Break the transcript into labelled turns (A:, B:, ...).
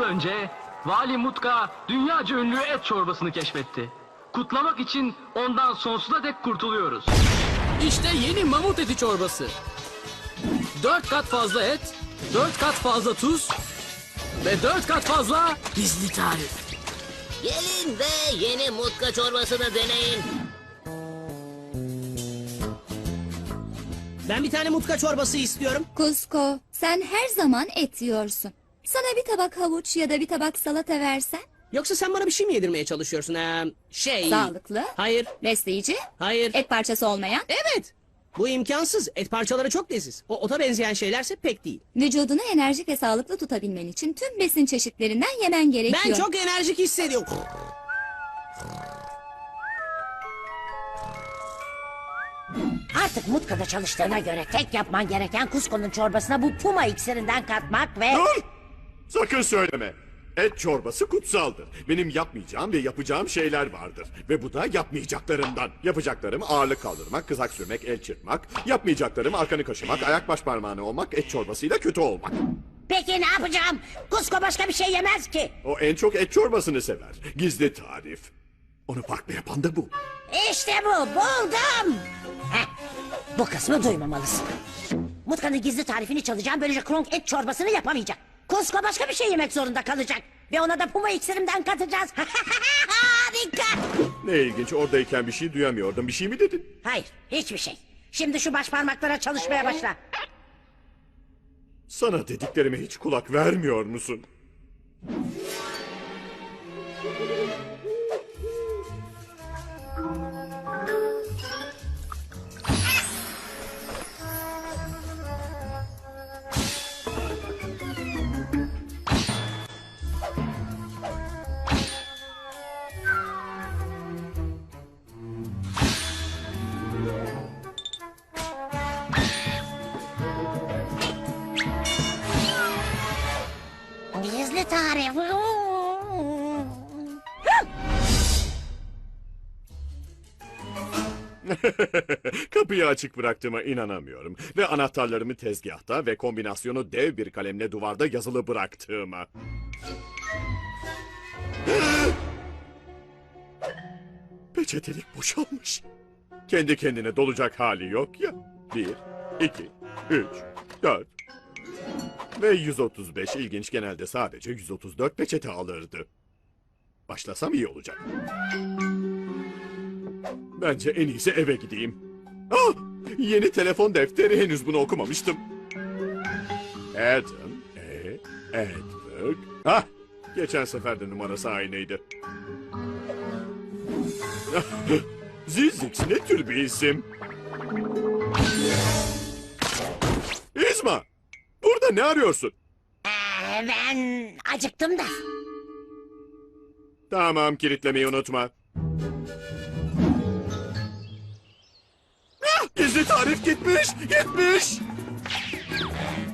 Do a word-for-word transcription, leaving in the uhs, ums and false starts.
A: önce Vali Mutka dünyaca ünlü et çorbasını keşfetti. Kutlamak için ondan sonsuza dek kurtuluyoruz.
B: İşte yeni mamut eti çorbası. Dört kat fazla et, dört kat fazla tuz ve dört kat fazla gizli tarif.
C: Gelin ve yeni mutka çorbasını deneyin.
D: Ben bir tane mutka çorbası istiyorum.
E: Kusko, sen her zaman et yiyorsun. Sana bir tabak havuç ya da bir tabak salata versen?
D: Yoksa sen bana bir şey mi yedirmeye çalışıyorsun? Ee, şey...
E: Sağlıklı,
D: Hayır,
E: besleyici,
D: hayır.
E: et parçası olmayan.
D: Evet. Bu imkansız. Et parçaları çok leziz. O ota benzeyen şeylerse pek değil.
E: Vücudunu enerjik ve sağlıklı tutabilmen için tüm besin çeşitlerinden yemen gerekiyor.
D: Ben çok enerjik hissediyorum.
F: Artık Mutka'da çalıştığına göre tek yapman gereken Kusko'nun çorbasına bu puma iksirinden katmak ve...
G: Dur! Sakın söyleme. Et çorbası kutsaldır. Benim yapmayacağım ve yapacağım şeyler vardır. Ve bu da yapmayacaklarımdan. Yapacaklarım ağırlık kaldırmak, kızak sürmek, el çırpmak. Yapmayacaklarım arkanı kaşımak, ayak baş parmağını olmak, et çorbasıyla kötü olmak.
F: Peki ne yapacağım? Kusko başka bir şey yemez ki.
G: O en çok et çorbasını sever. Gizli tarif. Onu farklı yapan da bu.
F: İşte bu, buldum. Heh, bu kısmı duymamalısın. Mutka'nın gizli tarifini çalacağım, böylece Kronk et çorbasını yapamayacak. Kusko başka bir şey yemek zorunda kalacak. Ve ona da puma iksirimden katacağız. Harika.
G: Ne ilginç, oradayken bir şey duyamıyordum. Bir şey mi dedin?
F: Hayır, hiçbir şey. Şimdi şu baş parmaklara çalışmaya başla.
G: Sana dediklerime hiç kulak vermiyor musun?
F: Gizli tarif.
G: Kapıyı açık bıraktığıma inanamıyorum. Ve anahtarlarımı tezgahta ve kombinasyonu dev bir kalemle duvarda yazılı bıraktığıma. Peçetelik boşalmış. Kendi kendine dolacak hali yok ya. Bir, iki, üç, dört. Ve yüz otuz beş ilginç, genelde sadece yüz otuz dört peçete alırdı. Başlasam iyi olacak. Bence en iyisi eve gideyim. Ah! Yeni telefon defteri, henüz bunu okumamıştım. Adam, E, Edward. Ah! Geçen sefer de numarası aynıydı. Zizix ne tür bir isim? İzma! Burada ne arıyorsun?
F: Ee, ben acıktım da.
G: Tamam, kilitlemeyi unutma. Ah, gizli tarif gitmiş, gitmiş.